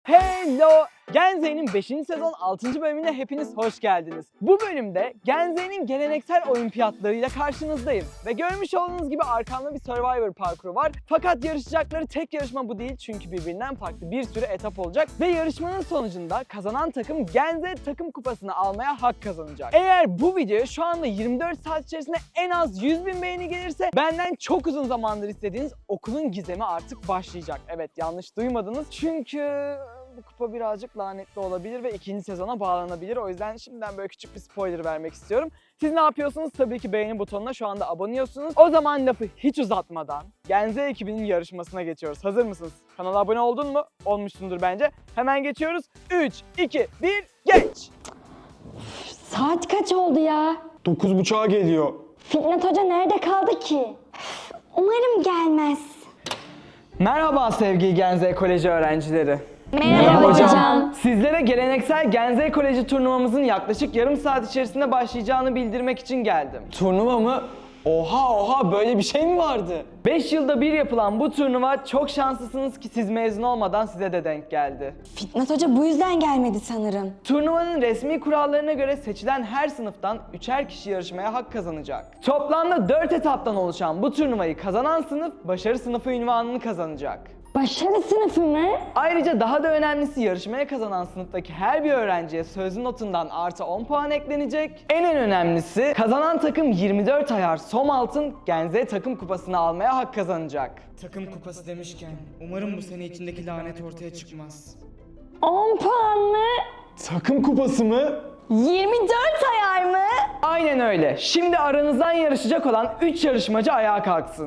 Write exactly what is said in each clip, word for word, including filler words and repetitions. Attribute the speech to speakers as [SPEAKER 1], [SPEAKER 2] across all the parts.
[SPEAKER 1] Hello! Genze'nin beşinci sezon altıncı bölümüne hepiniz hoş geldiniz. Bu bölümde Genze'nin geleneksel olimpiyatlarıyla karşınızdayım. Ve görmüş olduğunuz gibi arkamda bir Survivor parkuru var. Fakat yarışacakları tek yarışma bu değil çünkü birbirinden farklı bir sürü etap olacak. Ve yarışmanın sonucunda kazanan takım Genze takım kupasını almaya hak kazanacak. Eğer bu videoya şu anda yirmi dört saat içerisinde en az yüz bin beğeni gelirse benden çok uzun zamandır istediğiniz okulun gizemi artık başlayacak. Evet, yanlış duymadınız çünkü bu kupa birazcık lanetli olabilir ve ikinci sezona bağlanabilir. O yüzden şimdiden böyle küçük bir spoiler vermek istiyorum. Siz ne yapıyorsunuz? Tabii ki beğeni butonuna şu anda aboneyorsunuz. O zaman lafı hiç uzatmadan Genze ekibinin yarışmasına geçiyoruz. Hazır mısınız? Kanala abone oldun mu? Olmuşsundur bence. Hemen geçiyoruz. üç, iki, bir, geç!
[SPEAKER 2] Saat kaç oldu ya?
[SPEAKER 3] Dokuz buçuğa geliyor.
[SPEAKER 2] Fitnat Hoca nerede kaldı ki? Umarım gelmez.
[SPEAKER 1] Merhaba sevgili Genze Koleji öğrencileri.
[SPEAKER 2] Merhaba hocam.
[SPEAKER 1] Sizlere geleneksel Genze Koleji turnuvamızın yaklaşık yarım saat içerisinde başlayacağını bildirmek için geldim.
[SPEAKER 3] Turnuva mı? Oha oha, böyle bir şey mi vardı?
[SPEAKER 1] beş yılda bir yapılan bu turnuva çok şanslısınız ki siz mezun olmadan size de denk geldi.
[SPEAKER 2] Fitnat Hoca bu yüzden gelmedi sanırım.
[SPEAKER 1] Turnuvanın resmi kurallarına göre seçilen her sınıftan üçer kişi yarışmaya hak kazanacak. Toplamda dört etaptan oluşan bu turnuvayı kazanan sınıf başarı sınıfı unvanını kazanacak.
[SPEAKER 2] Başarı sınıfı mı?
[SPEAKER 1] Ayrıca daha da önemlisi yarışmaya kazanan sınıftaki her bir öğrenciye sözlü notundan artı on puan eklenecek. En en önemlisi kazanan takım yirmi dört ayar som altın Genze takım kupasını almaya hak kazanacak.
[SPEAKER 4] Takım kupası demişken umarım bu sene içindeki lanet ortaya çıkmaz.
[SPEAKER 2] on puan mı?
[SPEAKER 3] Takım kupası mı?
[SPEAKER 2] yirmi dört ayar mı?
[SPEAKER 1] Aynen öyle. Şimdi aranızdan yarışacak olan üç yarışmacı ayağa kalksın.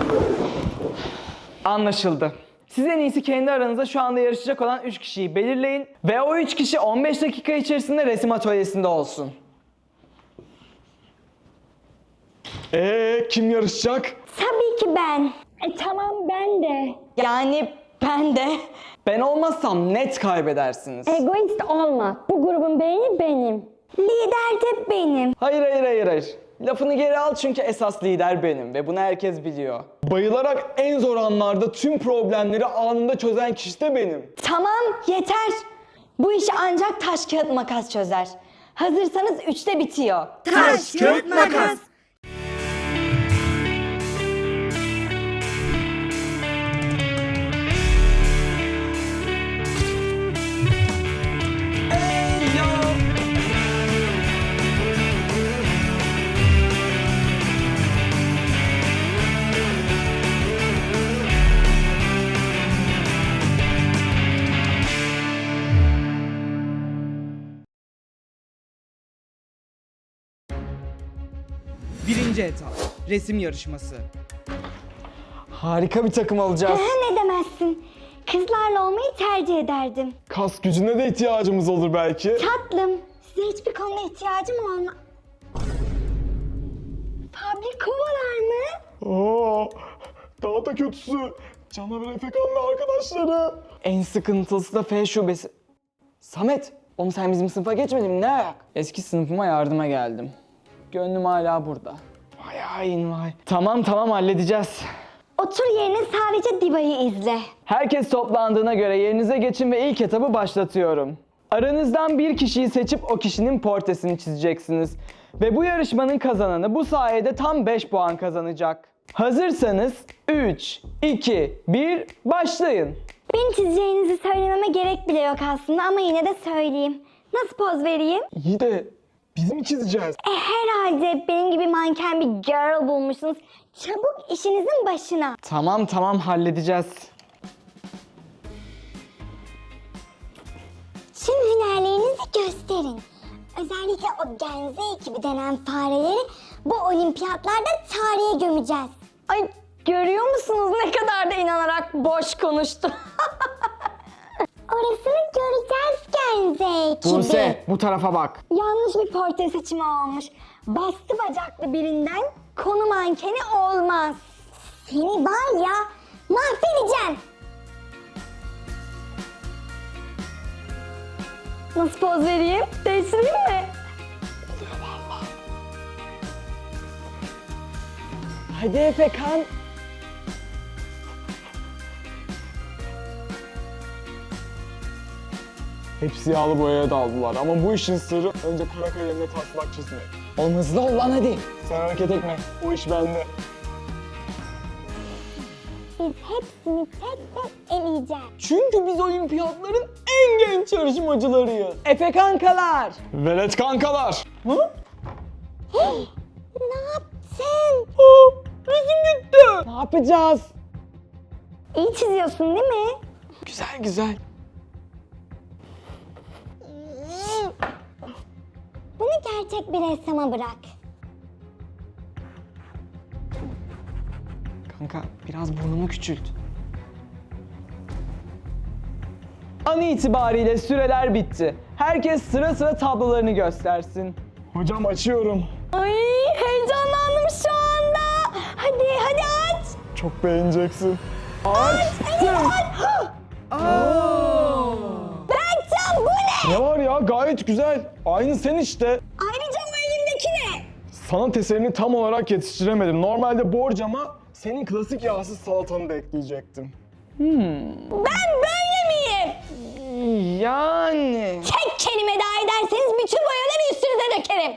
[SPEAKER 1] Anlaşıldı. Siz en iyisi kendi aranızda şu anda yarışacak olan üç kişiyi belirleyin ve o üç kişi on beş dakika içerisinde resim atölyesinde olsun.
[SPEAKER 3] Ee kim yarışacak?
[SPEAKER 2] Tabii ki ben. E tamam, ben de. Yani ben de.
[SPEAKER 1] Ben olmazsam net kaybedersiniz.
[SPEAKER 2] Egoist olma. Bu grubun beyni benim. Lider de benim.
[SPEAKER 1] Hayır hayır hayır hayır. Lafını geri al çünkü esas lider benim ve bunu herkes biliyor.
[SPEAKER 3] Bayılarak en zor anlarda tüm problemleri anında çözen kişi de benim.
[SPEAKER 2] Tamam, yeter. Bu işi ancak taş kağıt makas çözer. Hazırsanız üçte bitiyor.
[SPEAKER 4] Taş, kağıt, makas. Birinci etap, resim yarışması.
[SPEAKER 1] Harika bir takım olacağız.
[SPEAKER 2] Ne demezsin. Kızlarla olmayı tercih ederdim.
[SPEAKER 3] Kas gücüne de ihtiyacımız olur belki.
[SPEAKER 2] Tatlım, size hiçbir konuda ihtiyacım olma... Fabrikovalar mı?
[SPEAKER 3] Oo, daha da kötüsü. Canavar Efekan ve arkadaşları.
[SPEAKER 1] En sıkıntılısı da F şubesi. Samet, oğlum sen bizim sınıfa geçmedin mi? Ne ayak? Eski sınıfıma yardıma geldim. Gönlüm hala burada. Vay hain vay. Tamam tamam halledeceğiz.
[SPEAKER 2] Otur yerine, sadece Diva'yı izle.
[SPEAKER 1] Herkes toplandığına göre yerinize geçin ve ilk etabı başlatıyorum. Aranızdan bir kişiyi seçip o kişinin portresini çizeceksiniz. Ve bu yarışmanın kazananı bu sayede tam beş puan kazanacak. Hazırsanız üç, iki, bir, başlayın.
[SPEAKER 2] Beni çizeceğinizi söylememe gerek bile yok aslında ama yine de söyleyeyim. Nasıl poz vereyim?
[SPEAKER 3] İyi de biz mi çizeceğiz?
[SPEAKER 2] E herhalde benim gibi manken bir girl bulmuşsunuz. Çabuk işinizin başına.
[SPEAKER 1] Tamam tamam halledeceğiz.
[SPEAKER 2] Şimdi hünerlerinizi gösterin. Özellikle o Genze ekibi denen fareleri bu olimpiyatlarda tarihe gömeceğiz. Ay, görüyor musunuz ne kadar da inanarak boş konuştu. Orasını göreceğiz Genze ekibi.
[SPEAKER 1] Buse bu tarafa bak.
[SPEAKER 2] Yanlış bir portre seçimi olmuş. Bastı bacaklı birinden konu mankeni olmaz. Seni var ya, mahvedeceğim. Nasıl poz vereyim? Değiştireyim mi?
[SPEAKER 1] Hadi Efekan.
[SPEAKER 3] Hepsi yağlı boyaya daldılar ama bu işin sırrı önce kara kalemle taslak çizmek.
[SPEAKER 1] Oğlum hızlı ol lan hadi.
[SPEAKER 3] Sen hareket etme, o iş bende.
[SPEAKER 2] Biz hepsini tek tek eleyeceğiz.
[SPEAKER 1] Çünkü biz olimpiyatların en genç yarışmacılarıyız. Efe kankalar.
[SPEAKER 3] Velet kankalar.
[SPEAKER 1] Ha?
[SPEAKER 2] Ne yaptın?
[SPEAKER 1] Aa, resim gitti. Ne yapacağız?
[SPEAKER 2] İyi çiziyorsun değil mi?
[SPEAKER 1] Güzel güzel.
[SPEAKER 2] Bunu gerçek bir ressama bırak.
[SPEAKER 1] Kanka biraz burnunu küçült. An itibariyle süreler bitti. Herkes sıra sıra tablolarını göstersin.
[SPEAKER 3] Hocam açıyorum.
[SPEAKER 2] Ay heyecanlandım şu anda. Hadi hadi aç.
[SPEAKER 3] Çok beğeneceksin.
[SPEAKER 1] Açtım.
[SPEAKER 2] Berkcan bu ne?
[SPEAKER 3] Ne var ya, gayet güzel. Aynı sen işte.
[SPEAKER 2] Ayrıca bu elimdeki ne?
[SPEAKER 3] Sanat eserini tam olarak yetiştiremedim. Normalde borcama senin klasik yağsız salatanı da ekleyecektim.
[SPEAKER 2] Ben böyle miyim?
[SPEAKER 1] Yani.
[SPEAKER 2] Tek kelime daha ederseniz bütün boyaları üstünüze dökerim.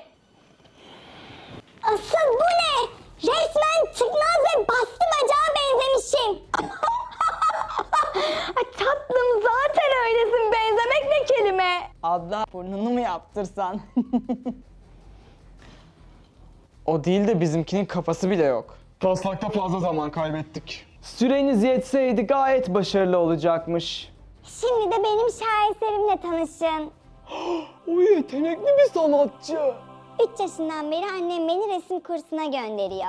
[SPEAKER 2] Asıl bu ne? Resmen çıkmaz ve bastı bacağa benzemişim. Ay tatlım zaten öylesin. Benzemek ne kelime?
[SPEAKER 1] Abla burnunu mu yaptırsan? O değil de bizimkinin kafası bile yok.
[SPEAKER 3] Taslakta fazla zaman kaybettik.
[SPEAKER 1] Süreniz yetseydi gayet başarılı olacakmış.
[SPEAKER 2] Şimdi de benim şaheserimle tanışın.
[SPEAKER 1] O yetenekli bir sanatçı.
[SPEAKER 2] Üç yaşından beri annem beni resim kursuna gönderiyor.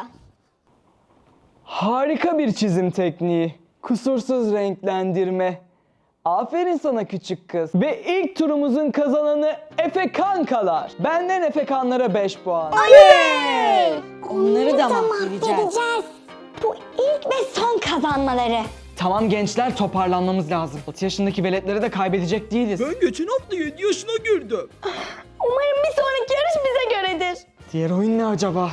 [SPEAKER 1] Harika bir çizim tekniği. Kusursuz renklendirme. Aferin sana küçük kız. Ve ilk turumuzun kazananı Efe kankalar. Benden Efe kanlara beş puan.
[SPEAKER 2] Oley!
[SPEAKER 1] Onları da mahvedeceğiz.
[SPEAKER 2] mahvedeceğiz. Bu ilk ve son kazanmaları.
[SPEAKER 1] Tamam gençler, toparlanmamız lazım. altı yaşındaki veletleri de kaybedecek değiliz.
[SPEAKER 4] Ben geçen hafta yedi yaşına girdim.
[SPEAKER 2] Umarım bir sonraki yarış bize göredir.
[SPEAKER 1] Diğer oyun ne acaba?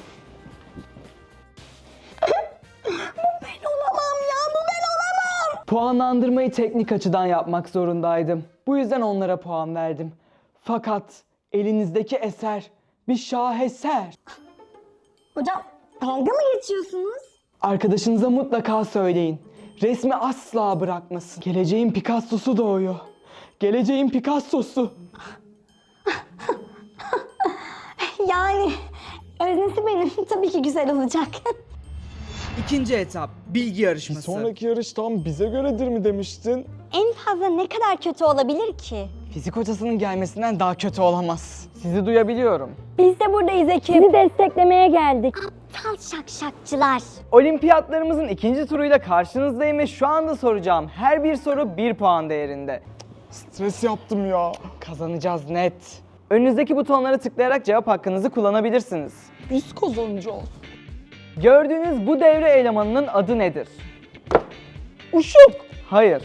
[SPEAKER 2] Ben olamam ya, bu ben olamam.
[SPEAKER 1] Puanlandırmayı teknik açıdan yapmak zorundaydım. Bu yüzden onlara puan verdim. Fakat elinizdeki eser bir şaheser.
[SPEAKER 2] Hocam dalga mı geçiyorsunuz?
[SPEAKER 1] Arkadaşınıza mutlaka söyleyin. Resmi asla bırakmasın. Geleceğin Picasso'su doğuyor. Geleceğin Picasso'su.
[SPEAKER 2] Yani öznesi benim. Tabii ki güzel olacak.
[SPEAKER 4] İkinci etap, bilgi yarışması.
[SPEAKER 3] Sonraki yarış tam bize göredir mi demiştin?
[SPEAKER 2] En fazla ne kadar kötü olabilir ki?
[SPEAKER 1] Fizik hocasının gelmesinden daha kötü olamaz. Sizi duyabiliyorum.
[SPEAKER 2] Biz de buradayız ekip. Sizi desteklemeye geldik. Aptal şakşakçılar.
[SPEAKER 1] Olimpiyatlarımızın ikinci turuyla karşınızdayım ve şu anda soracağım her bir soru bir puan değerinde.
[SPEAKER 3] Stres yaptım ya.
[SPEAKER 1] Kazanacağız net. Önünüzdeki butonlara tıklayarak cevap hakkınızı kullanabilirsiniz. Biz kazanacağız. Gördüğünüz bu devre elemanının adı nedir? Işık. Hayır.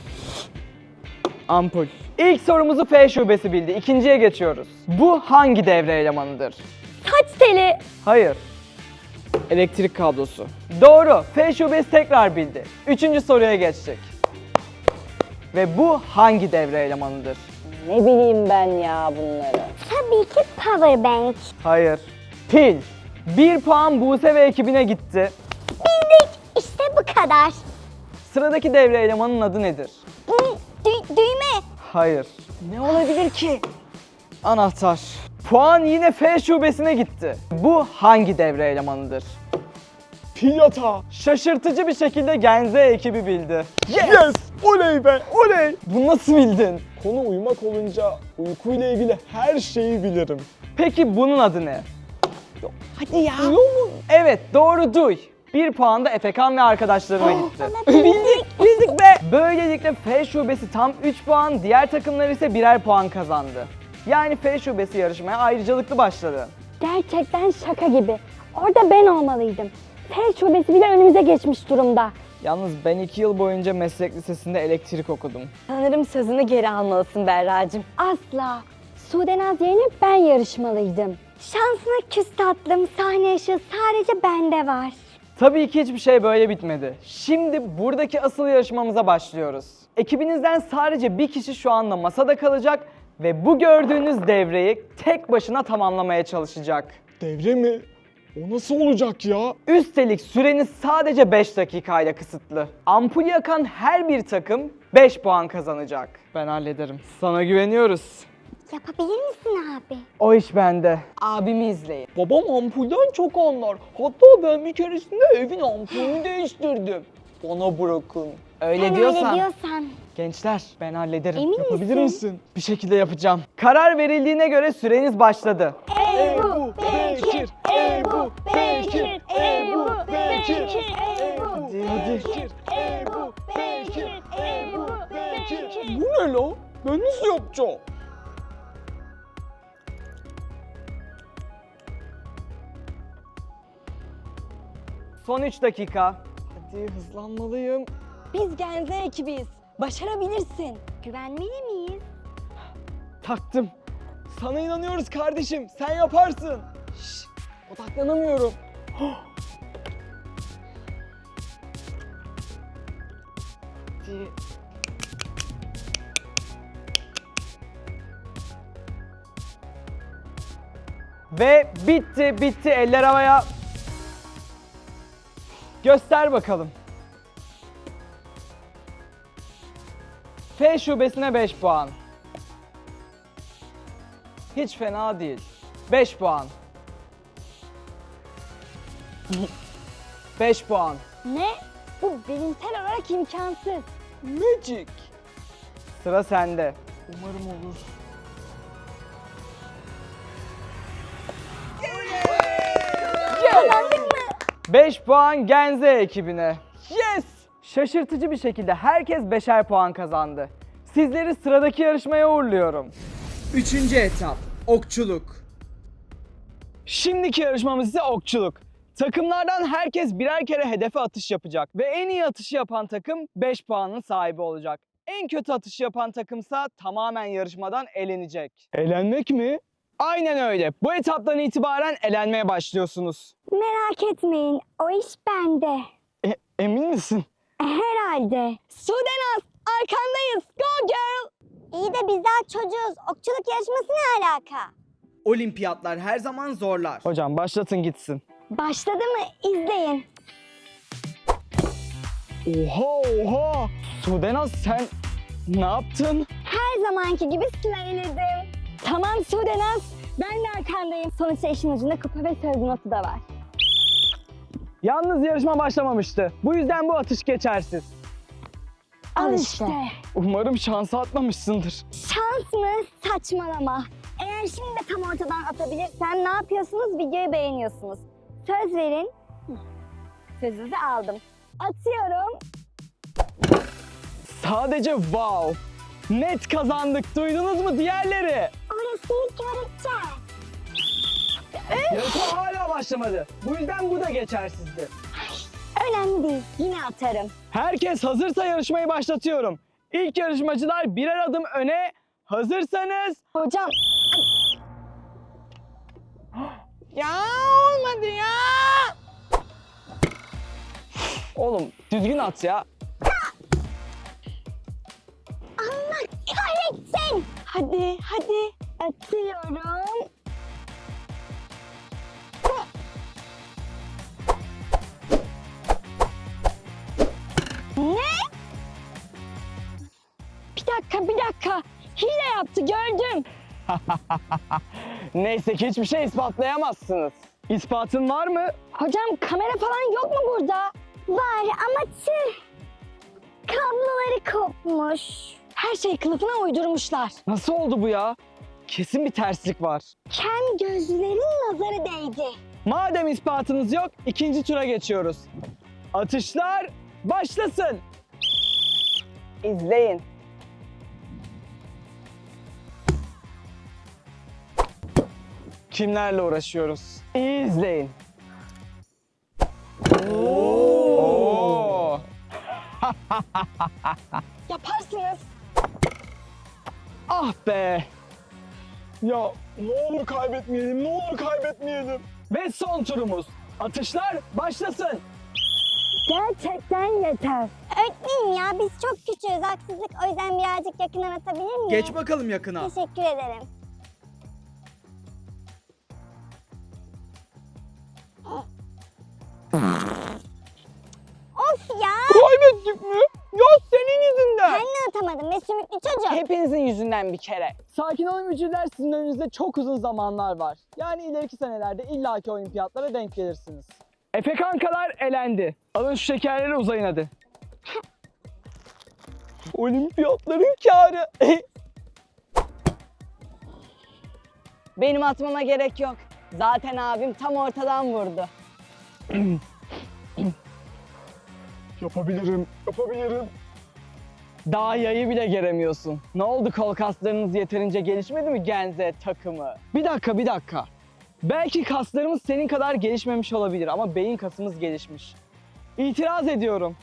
[SPEAKER 1] Ampul. İlk sorumuzu F şubesi bildi. İkinciye geçiyoruz. Bu hangi devre elemanıdır?
[SPEAKER 2] Saç teli.
[SPEAKER 1] Hayır. Elektrik kablosu. Doğru. F şubesi tekrar bildi. Üçüncü soruya geçtik. Ve bu hangi devre elemanıdır? Ne bileyim ben ya bunları.
[SPEAKER 2] Tabii ki power bank.
[SPEAKER 1] Hayır. Pil. Bir puan Buse ve ekibine gitti.
[SPEAKER 2] Bildik. İşte bu kadar.
[SPEAKER 1] Sıradaki devre elemanının adı nedir?
[SPEAKER 2] Dü- dü- düğme.
[SPEAKER 1] Hayır. Ne olabilir ki? Anahtar. Puan yine F şubesine gitti. Bu hangi devre elemanıdır?
[SPEAKER 3] Pil yatağı.
[SPEAKER 1] Şaşırtıcı bir şekilde Genze ekibi bildi.
[SPEAKER 3] Yes! Oley be! Oley!
[SPEAKER 1] Bunu nasıl bildin?
[SPEAKER 3] Konu uyumak olunca uykuyla ilgili her şeyi bilirim.
[SPEAKER 1] Peki bunun adı ne? Hadi ya. Evet, doğru duy. Bir puan da Efekan ve arkadaşlarına gitti. bildik, bildik be. Böylelikle F şubesi tam üç puan, diğer takımlar ise birer puan kazandı. Yani F şubesi yarışmaya ayrıcalıklı başladı.
[SPEAKER 2] Gerçekten şaka gibi. Orada ben olmalıydım. F şubesi bile önümüze geçmiş durumda.
[SPEAKER 1] Yalnız ben iki yıl boyunca meslek lisesinde elektrik okudum.
[SPEAKER 2] Sanırım sözünü geri almalısın Berra'cığım. Asla. Sudenaz yerine ben yarışmalıydım. Şansına küs tatlım, sahne ışığı sadece bende var.
[SPEAKER 1] Tabii ki hiçbir şey böyle bitmedi. Şimdi buradaki asıl yarışmamıza başlıyoruz. Ekibinizden sadece bir kişi şu anda masada kalacak ve bu gördüğünüz devreyi tek başına tamamlamaya çalışacak.
[SPEAKER 3] Devre mi? O nasıl olacak ya?
[SPEAKER 1] Üstelik süreniz sadece beş dakikayla kısıtlı. Ampul yakan her bir takım beş puan kazanacak. Ben hallederim. Sana güveniyoruz.
[SPEAKER 2] Yapabilir misin abi?
[SPEAKER 1] O iş bende. Abimi izleyin. Babam ampulden çok anlar. Hatta ben bir keresinde evin ampulünü değiştirdim. Bana bırakın. Öyle
[SPEAKER 2] Sen
[SPEAKER 1] diyorsan.
[SPEAKER 2] öyle diyorsan.
[SPEAKER 1] Gençler ben hallederim.
[SPEAKER 2] Emin
[SPEAKER 1] Yapabilir
[SPEAKER 2] misin?
[SPEAKER 1] misin? Bir şekilde yapacağım. Karar verildiğine göre süreniz başladı.
[SPEAKER 2] Ebu Bekir, Ebu Bekir, Ebu Bekir, Ebu
[SPEAKER 1] Hadi hadi.
[SPEAKER 2] Ebu Bekir, Ebu Bekir.
[SPEAKER 3] Bu ne lan? Ben nasıl yapacağım?
[SPEAKER 1] Son üç dakika. Hadi hızlanmalıyım.
[SPEAKER 2] Biz Genze ekibiyiz. Başarabilirsin. Güvenmeli miyiz?
[SPEAKER 1] Taktım. Sana inanıyoruz kardeşim. Sen yaparsın. Şş, odaklanamıyorum. Hadi. Ve bitti, bitti. Eller havaya. Göster bakalım. F şubesine beş puan. Hiç fena değil. beş puan. beş puan.
[SPEAKER 2] Ne? Bu bilimsel olarak imkansız.
[SPEAKER 1] Magic. Sıra sende. Umarım olur.
[SPEAKER 2] Kazandık mı?
[SPEAKER 1] beş puan Genze ekibine. Yes! Şaşırtıcı bir şekilde herkes beşer puan kazandı. Sizleri sıradaki yarışmaya uğurluyorum.
[SPEAKER 4] Üçüncü etap. Okçuluk.
[SPEAKER 1] Şimdiki yarışmamız ise okçuluk. Takımlardan herkes birer kere hedefe atış yapacak ve en iyi atışı yapan takım beş puanın sahibi olacak. En kötü atışı yapan takımsa tamamen yarışmadan elenecek.
[SPEAKER 3] Eğlenmek mi?
[SPEAKER 1] Aynen öyle. Bu etaptan itibaren elenmeye başlıyorsunuz.
[SPEAKER 2] Merak etmeyin, o iş bende.
[SPEAKER 1] E, emin misin?
[SPEAKER 2] Herhalde. Sudenaz, arkandayız. Go girl. İyi de bizler çocuğuz. Okçuluk yarışması ne alaka?
[SPEAKER 4] Olimpiyatlar her zaman zorlar.
[SPEAKER 1] Hocam başlatın gitsin.
[SPEAKER 2] Başladı mı? İzleyin.
[SPEAKER 1] Oha oha! Sudenaz sen ne yaptın?
[SPEAKER 2] Her zamanki gibi sırayladım. Tamam Sudenaz, ben de arkandayım. Sonuçta işin ucunda kupa ve söz notu da var.
[SPEAKER 1] Yalnız yarışma başlamamıştı. Bu yüzden bu atış geçersiz.
[SPEAKER 2] Al işte.
[SPEAKER 1] Umarım şansı atmamışsındır.
[SPEAKER 2] Şans mı? Saçmalama. Eğer şimdi de tam ortadan atabilirsem ne yapıyorsunuz? Videoyu beğeniyorsunuz. Söz verin. Hı. Sözünüzü aldım. Atıyorum.
[SPEAKER 1] Sadece wow! Net kazandık. Duydunuz mu diğerleri?
[SPEAKER 2] Orasını göreceğiz.
[SPEAKER 1] Yarışma hala başlamadı. Bu yüzden bu da geçersizdi.
[SPEAKER 2] Önemli değil. Yine atarım.
[SPEAKER 1] Herkes hazırsa yarışmayı başlatıyorum. İlk yarışmacılar birer adım öne. Hazırsanız...
[SPEAKER 2] Hocam.
[SPEAKER 1] Ya olmadı ya! Oğlum düzgün at ya.
[SPEAKER 2] Allah kahretsin. Hadi hadi. Atıyorum. Ne? Bir dakika bir dakika. Hile yaptı gördüm.
[SPEAKER 1] Neyse ki hiçbir şey ispatlayamazsınız. İspatın var mı?
[SPEAKER 2] Hocam kamera falan yok mu burada? Var ama tüh. Kabloları kopmuş. Her şey kılıfına uydurmuşlar.
[SPEAKER 1] Nasıl oldu bu ya? Kesin bir terslik var.
[SPEAKER 2] Kem gözlerin nazarı değdi.
[SPEAKER 1] Madem ispatınız yok, ikinci tura geçiyoruz. Atışlar başlasın. İzleyin. Kimlerle uğraşıyoruz? İyi izleyin. Oo.
[SPEAKER 2] Yaparsınız.
[SPEAKER 1] Ah be.
[SPEAKER 3] Ya ne olur kaybetmeyelim, ne olur kaybetmeyelim.
[SPEAKER 1] Ve son turumuz. Atışlar başlasın.
[SPEAKER 2] Gerçekten yeter. Öğretmenim ya biz çok küçüğüz, haksızlık. O yüzden birazcık yakından atabilir miyim?
[SPEAKER 4] Geç bakalım yakına.
[SPEAKER 2] Teşekkür ederim. Of ya!
[SPEAKER 1] Kaybettik mi? Ya senin yüzünden.
[SPEAKER 2] Ben de atamadım ve sümüklü çocuk.
[SPEAKER 1] Hepinizin yüzünden bir kere. Sakin olun mücürler, sizin önünüzde çok uzun zamanlar var. Yani ileriki senelerde illaki olimpiyatlara denk gelirsiniz. Efe kankalar elendi. Alın şu şekerleri, uzayın hadi. Olimpiyatların kârı. Benim atmama gerek yok. Zaten abim tam ortadan vurdu.
[SPEAKER 3] Yapabilirim, yapabilirim.
[SPEAKER 1] Daha yayı bile geremiyorsun. Ne oldu, kol kaslarınız yeterince gelişmedi mi Genze takımı? Bir dakika bir dakika. Belki kaslarımız senin kadar gelişmemiş olabilir ama beyin kasımız gelişmiş. İtiraz ediyorum.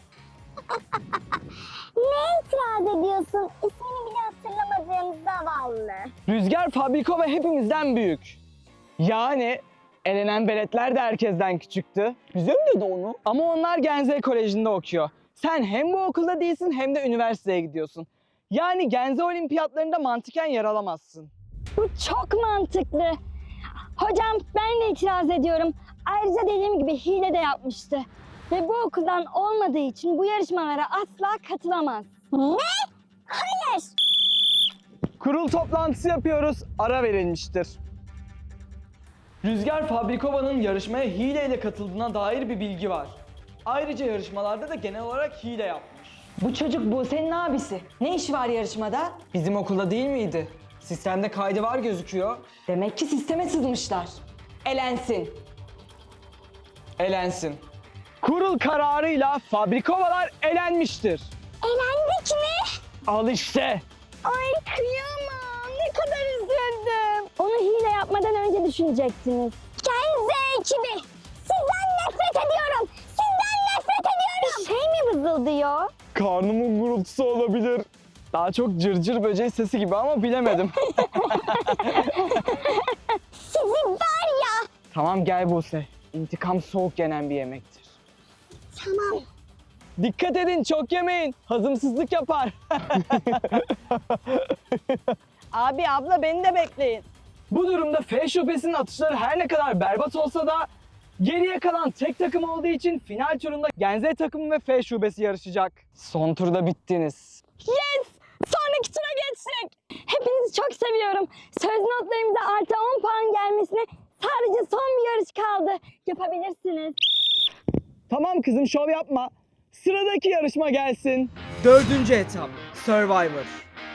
[SPEAKER 2] Ne itiraz ediyorsun? İsmini bile hatırlamadığım zavallı.
[SPEAKER 1] Rüzgar Fabriko ve hepimizden büyük. Yani elenen beletler de herkesten küçüktü. Bize mi dedi onu? Ama onlar Genze Koleji'nde okuyor. Sen hem bu okulda değilsin hem de üniversiteye gidiyorsun. Yani Genze olimpiyatlarında mantıken yer alamazsın.
[SPEAKER 2] Bu çok mantıklı. Hocam ben de itiraz ediyorum. Ayrıca dediğim gibi hile de yapmıştı. Ve bu okuldan olmadığı için bu yarışmalara asla katılamaz. Ne? Hayır.
[SPEAKER 1] Kurul toplantısı yapıyoruz, ara verilmiştir. Rüzgar Fabrikova'nın yarışmaya hileyle katıldığına dair bir bilgi var. Ayrıca yarışmalarda da genel olarak hile yapmış. Bu çocuk Buse'nin abisi. Ne işi var yarışmada? Bizim okulda değil miydi? Sistemde kaydı var gözüküyor. Demek ki sisteme sızmışlar. Elensin. Elensin. Kurul kararıyla Fabrikovalar elenmiştir.
[SPEAKER 2] Elendik mi?
[SPEAKER 1] Al işte.
[SPEAKER 2] Ay kıyamam. Ne kadar üzüldüm. Onu hile yapmadan önce düşünecektiniz. Genze ekibi. Sizden nefret ediyorum. Sizden nefret ediyorum. Bir şey mi vızıldıyor?
[SPEAKER 3] Karnımın gurultusu olabilir.
[SPEAKER 1] Daha çok cırcır böceği sesi gibi ama bilemedim.
[SPEAKER 2] Sizi var ya.
[SPEAKER 1] Tamam gel Buse. İntikam soğuk yenen bir yemektir.
[SPEAKER 2] Tamam.
[SPEAKER 1] Dikkat edin, çok yemeyin. Hazımsızlık yapar. Abi abla beni de bekleyin. Bu durumda F şubesinin atışları her ne kadar berbat olsa da geriye kalan tek takım olduğu için final turunda Genze takımı ve F şubesi yarışacak. Son turda bittiniz.
[SPEAKER 2] Yes! Sonraki tura geçtik. Hepinizi çok seviyorum. Söz notlarımıza artı on puan gelmesine sadece son bir yarış kaldı. Yapabilirsiniz.
[SPEAKER 1] Tamam kızım, şov yapma. Sıradaki yarışma gelsin.
[SPEAKER 4] Dördüncü etap. Survivor.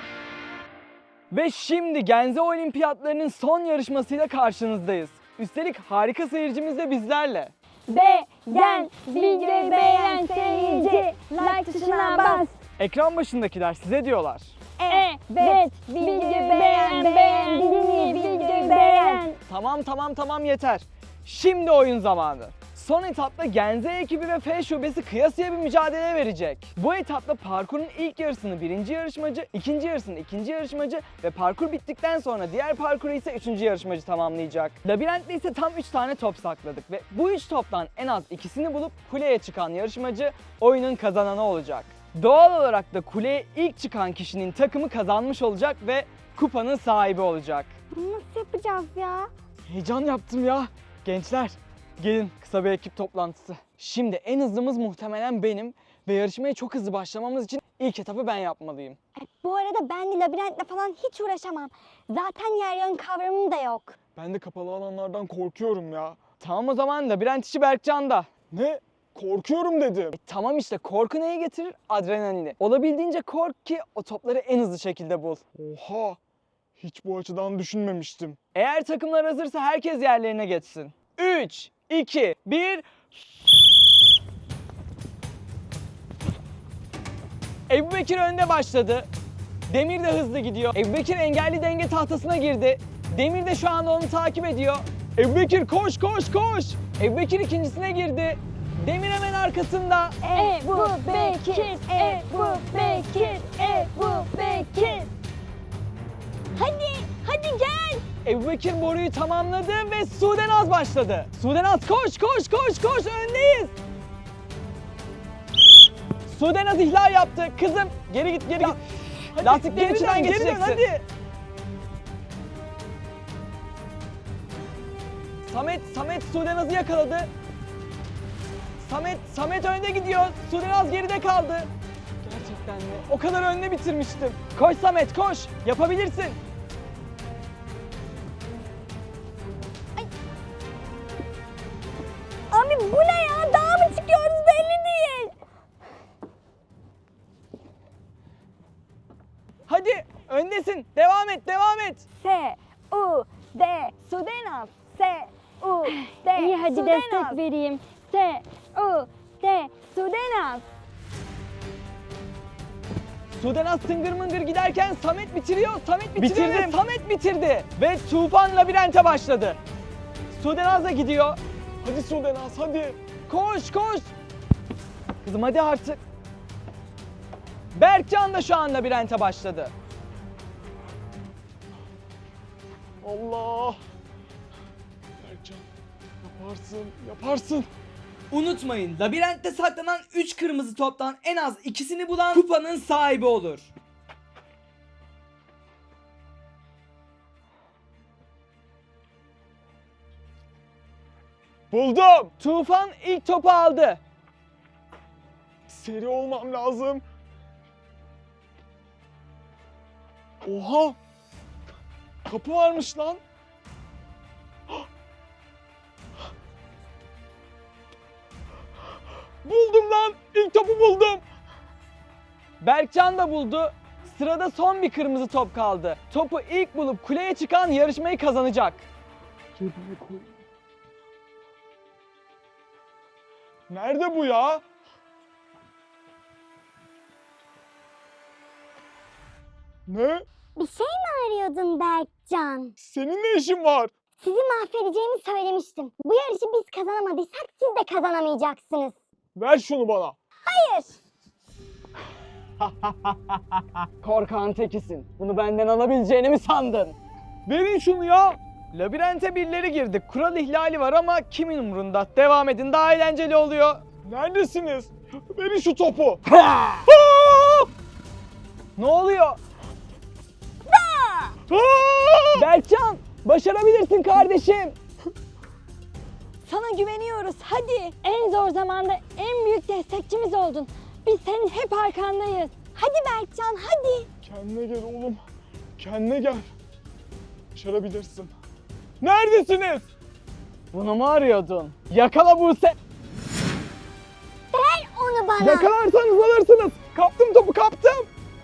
[SPEAKER 1] Ve şimdi Genze Olimpiyatlarının son yarışmasıyla karşınızdayız. Üstelik harika seyircimiz de bizlerle.
[SPEAKER 2] Beğen, videoyu beğen seyirci, like tuşuna bas.
[SPEAKER 1] Ekran başındakiler size diyorlar.
[SPEAKER 2] Evet, videoyu beğen, beğen, dinleyi, videoyu beğen.
[SPEAKER 1] Tamam tamam tamam yeter. Şimdi oyun zamanı. Son etapta Genze ekibi ve F şubesi kıyasıya bir mücadele verecek. Bu etapta parkurun ilk yarısını birinci yarışmacı, ikinci yarısını ikinci yarışmacı ve parkur bittikten sonra diğer parkuru ise üçüncü yarışmacı tamamlayacak. Labirentte ise tam üç tane top sakladık ve bu üç toptan en az ikisini bulup kuleye çıkan yarışmacı oyunun kazananı olacak. Doğal olarak da kuleye ilk çıkan kişinin takımı kazanmış olacak ve kupanın sahibi olacak.
[SPEAKER 2] Bunu nasıl yapacağız ya?
[SPEAKER 1] Heyecan yaptım ya. Gençler, gelin kısa bir ekip toplantısı. Şimdi en hızlımız muhtemelen benim ve yarışmaya çok hızlı başlamamız için ilk etapı ben yapmalıyım.
[SPEAKER 2] E, bu arada ben de labirentle falan hiç uğraşamam. Zaten yer yön kavramım da yok.
[SPEAKER 3] Ben de kapalı alanlardan korkuyorum ya.
[SPEAKER 1] Tamam o zaman labirent işi Berkcan'da.
[SPEAKER 3] Ne? Korkuyorum dedim.
[SPEAKER 1] E, tamam işte, korku neyi getirir? Adrenalini. Olabildiğince kork ki o topları en hızlı şekilde bul.
[SPEAKER 3] Oha! Hiç bu açıdan düşünmemiştim.
[SPEAKER 1] Eğer takımlar hazırsa herkes yerlerine geçsin. üç, iki, bir... Ebubekir önde başladı. Demir de hızlı gidiyor. Ebubekir engelli denge tahtasına girdi. Demir de şu anda onu takip ediyor. Ebubekir koş koş koş. Ebubekir ikincisine girdi. Demir hemen arkasında.
[SPEAKER 2] Ebu Bekir, Ebu Bekir, Ebu Bekir. Hadi, hadi gel.
[SPEAKER 1] Ebubekir boruyu tamamladı ve Sudenaz başladı. Sudenaz koş koş koş koş, öndeyiz. Sudenaz ihlal yaptı. Kızım geri git geri git. Lastiklerin içinden geçeceksin. Hadi. Samet, Samet Sudenaz'ı yakaladı. Samet, Samet önde gidiyor. Sudenaz geride kaldı. Gerçekten mi? O kadar önde bitirmiştim. Koş Samet koş. Yapabilirsin.
[SPEAKER 2] Abi bu ne ya? Dağa mı çıkıyoruz belli değil.
[SPEAKER 1] Hadi öndesin. Devam et, devam et.
[SPEAKER 2] S, U, D, Sudenaz. S, U, D,
[SPEAKER 5] İyi hadi
[SPEAKER 2] Sudenaz.
[SPEAKER 5] destek vereyim. S, U, D,
[SPEAKER 2] Sudenaz.
[SPEAKER 1] Sudenaz tıngır mıngır giderken Samet bitiriyor. Samet bitiriyor ve Samet bitirdi. Ve Tufan labirente başladı. Sudenaz da gidiyor.
[SPEAKER 3] Hadi Sudenaz hadi.
[SPEAKER 1] Koş koş. Kızım hadi artık. Berkcan da şu an labirente başladı.
[SPEAKER 3] Allah. Berkcan yaparsın yaparsın.
[SPEAKER 4] Unutmayın, labirentte saklanan üç kırmızı toptan en az ikisini bulan kupanın sahibi olur.
[SPEAKER 3] Buldum.
[SPEAKER 1] Tufan ilk topu aldı.
[SPEAKER 3] Seri olmam lazım. Oha. Kapı varmış lan. Buldum lan. İlk topu buldum.
[SPEAKER 1] Berkcan da buldu. Sırada son bir kırmızı top kaldı. Topu ilk bulup kuleye çıkan yarışmayı kazanacak.
[SPEAKER 3] Cebime koy. Nerede bu ya? Ne?
[SPEAKER 2] Bir şey mi arıyordun Berkcan?
[SPEAKER 3] Senin ne işin var?
[SPEAKER 2] Sizi mahvedeceğimi söylemiştim. Bu yarışı biz kazanamadıysak siz de kazanamayacaksınız.
[SPEAKER 3] Ver şunu bana.
[SPEAKER 2] Hayır.
[SPEAKER 1] Korkağın tekisin. Bunu benden alabileceğini mi sandın? Verin şunu ya. Labirente birileri girdi. Kural ihlali var ama kimin umurunda? Devam edin, daha eğlenceli oluyor.
[SPEAKER 3] Neredesiniz? Verin şu topu.
[SPEAKER 1] Ne oluyor?
[SPEAKER 3] Aa!
[SPEAKER 1] Berkcan, başarabilirsin kardeşim.
[SPEAKER 5] sana güveniyoruz. Hadi. En zor zamanda en büyük destekçimiz oldun. Biz senin hep arkandayız.
[SPEAKER 2] Hadi Berkcan hadi.
[SPEAKER 3] Kendine gel oğlum. Kendine gel. Başarabilirsin. Neredesiniz?
[SPEAKER 1] Bunu mu arıyordun? Yakala Buse.
[SPEAKER 2] Ver onu bana.
[SPEAKER 1] Yakalarsanız alırsınız. Kaptım topu, kaptım.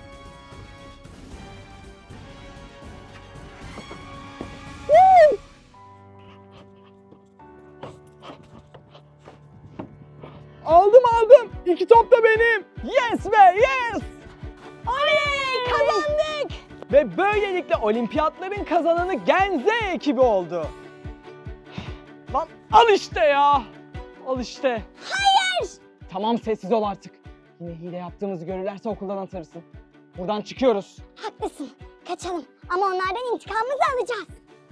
[SPEAKER 1] Woo! Aldım aldım. İki top da benim. Yes be yes.
[SPEAKER 2] Oley kazandık.
[SPEAKER 1] Ve böylelikle olimpiyatların kazananı Genze ekibi oldu. Lan al işte ya. Al işte.
[SPEAKER 2] Hayır.
[SPEAKER 1] Tamam sessiz ol artık. Yine hile yaptığımızı görürlerse okuldan atarısın. Buradan çıkıyoruz.
[SPEAKER 2] Haklısın. Kaçalım. Ama onlardan intikamımızı alacağız.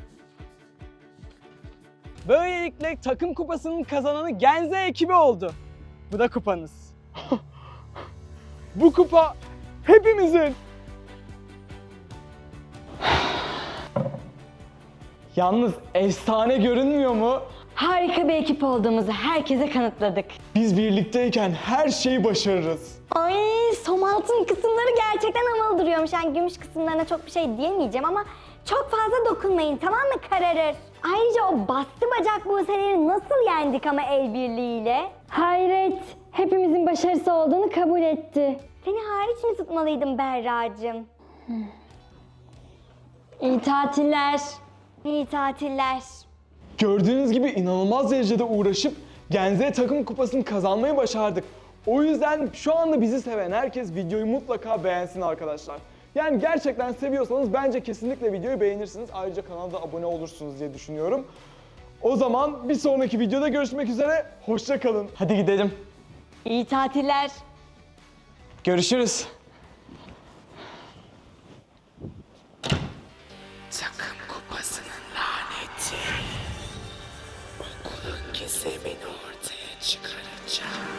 [SPEAKER 1] Böylelikle takım kupasının kazananı Genze ekibi oldu. Bu da kupanız.
[SPEAKER 3] Bu kupa hepimizin.
[SPEAKER 1] Yalnız efsane görünmüyor mu?
[SPEAKER 5] Harika bir ekip olduğumuzu herkese kanıtladık.
[SPEAKER 3] Biz birlikteyken her şeyi başarırız.
[SPEAKER 2] Ay som altın kısımları gerçekten havalı duruyormuş. Yani gümüş kısımlarına çok bir şey diyemeyeceğim ama çok fazla dokunmayın, tamam mı, kararır. Ayrıca o bastı bacak Buse'leri nasıl yendik ama el birliğiyle?
[SPEAKER 5] Hayret. Hepimizin başarısı olduğunu kabul etti.
[SPEAKER 2] Seni hariç mi tutmalıydım Berra'cığım?
[SPEAKER 5] İyi tatiller.
[SPEAKER 2] İyi tatiller.
[SPEAKER 3] Gördüğünüz gibi inanılmaz derecede uğraşıp Genze takım kupasını kazanmayı başardık. O yüzden şu anda bizi seven herkes videoyu mutlaka beğensin arkadaşlar. Yani gerçekten seviyorsanız bence kesinlikle videoyu beğenirsiniz. Ayrıca kanala da abone olursunuz diye düşünüyorum. O zaman bir sonraki videoda görüşmek üzere. Hoşça kalın.
[SPEAKER 1] Hadi gidelim.
[SPEAKER 5] İyi tatiller.
[SPEAKER 1] Görüşürüz.
[SPEAKER 6] Takım kupasının laneti. Okulun gizemini ortaya çıkaracağım.